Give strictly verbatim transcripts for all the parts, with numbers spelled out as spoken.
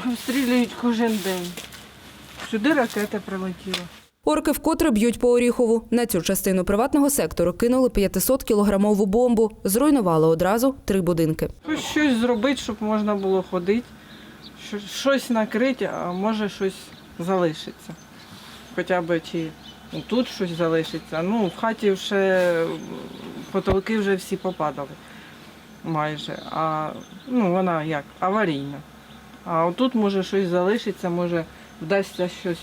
обстрілюють кожен день. Сюди ракета прилетіла. Орки вкотре б'ють по Оріхову. На цю частину приватного сектору кинули п'ятисоткілограмову бомбу. Зруйнували одразу три будинки. Хоч щось зробити, щоб можна було ходити, щось накрити, а може щось залишиться. Хоча б чи тут щось залишиться. Ну, в хаті вже потолки вже всі попадали майже. А ну, вона як, аварійна. А отут може щось залишиться, може вдасться щось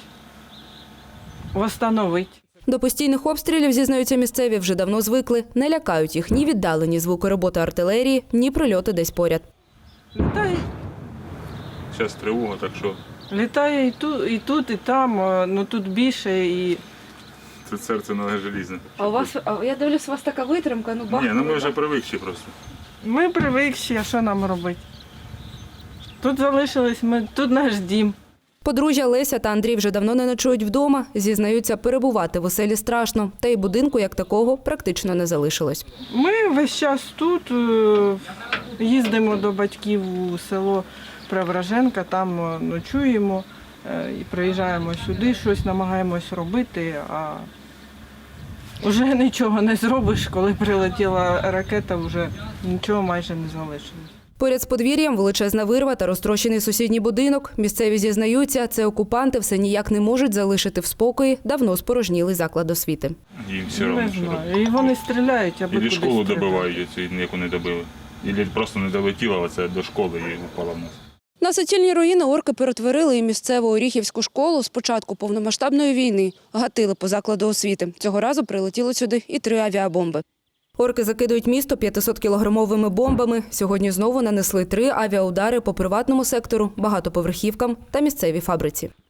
встановити. До постійних обстрілів, зізнаються місцеві, вже давно звикли. Не лякають їх ні віддалені звуки роботи артилерії, ні прильоти десь поряд. Літає. Зараз тривога, так що Літає і тут, і тут, і там, ну тут більше. І... це серце не желізне. А у вас, а я дивлюсь, у вас така витримка, ну Ні, ну ми вже привикші просто. Ми привикші, а що нам робити? Тут залишились, ми, тут наш дім. Подружжя Леся та Андрій вже давно не ночують вдома. Зізнаються, перебувати в оселі страшно. Та й будинку, як такого, практично не залишилось. Ми весь час тут е, їздимо до батьків у село Преображенка, там е, ночуємо е, і приїжджаємо сюди, щось намагаємось робити, а вже нічого не зробиш, коли прилетіла ракета, вже нічого майже не залишилось. Поряд з подвір'ям величезна вирва та розтрощений сусідній будинок. Місцеві зізнаються, це окупанти все ніяк не можуть залишити в спокої давно спорожнілий заклад освіти. Їм все Не одно, що робити. знаю. І вони стріляють, аби Ілі кудись школу стріляти. добивають, оцю, яку не добили. Ілі просто не долетіла оце до школи і упала в нас. На суцільні руїни орки перетворили і місцеву Оріхівську школу з початку повномасштабної війни. Гатили по закладу освіти. Цього разу прилетіло сюди і три авіабомби. Орки закидують місто п'ятисоткілограмовими бомбами. Сьогодні знову нанесли три авіаудари по приватному сектору, багатоповерхівкам та місцевій фабриці.